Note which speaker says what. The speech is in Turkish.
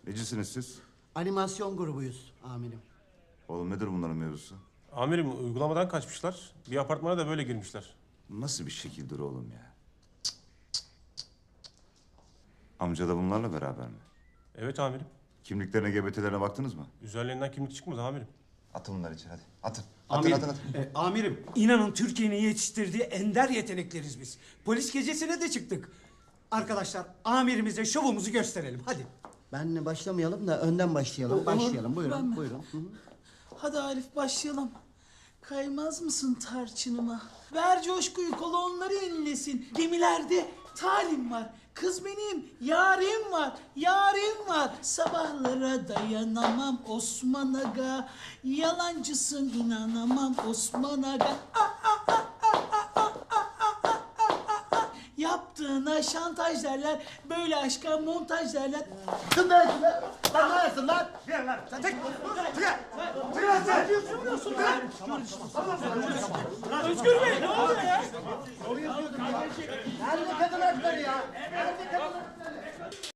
Speaker 1: Necisiniz siz?
Speaker 2: Animasyon grubuyuz amirim.
Speaker 1: Oğlum nedir bunların mevzusu?
Speaker 3: Amirim uygulamadan kaçmışlar. Bir apartmana da böyle girmişler.
Speaker 1: Nasıl bir şekildir oğlum ya? Amca da bunlarla beraber mi?
Speaker 3: Evet amirim.
Speaker 1: Kimliklerine, GBT'lerine baktınız mı?
Speaker 3: Üzerlerinden kimlik çıkmadı amirim.
Speaker 1: Atın bunları içeri hadi. Atın.
Speaker 4: Amirim, amirim, inanın Türkiye'nin yetiştirdiği ender yetenekleriz biz. Polis gecesine de çıktık. Arkadaşlar, amirimize şovumuzu gösterelim. Hadi.
Speaker 2: Benle başlamayalım da önden başlayalım. Başlayalım. Buyurun.
Speaker 5: Ben-
Speaker 2: Buyurun. Hı hı.
Speaker 5: Hadi Arif başlayalım. Kaymaz mısın tarçınıma? Ver coşkuyu kolonları inlesin. Gemilerde talim var. Kız benim yarim var. Yarim var. Sabahlara dayanamam Osman Aga. Yalancısın inanamam Osman Aga. Yaptığına şantaj derler. Böyle aşka montaj derler. Özgür Bey ne oluyor ya?
Speaker 2: Nerede kadın hakları ya? Nerede kadın hakları?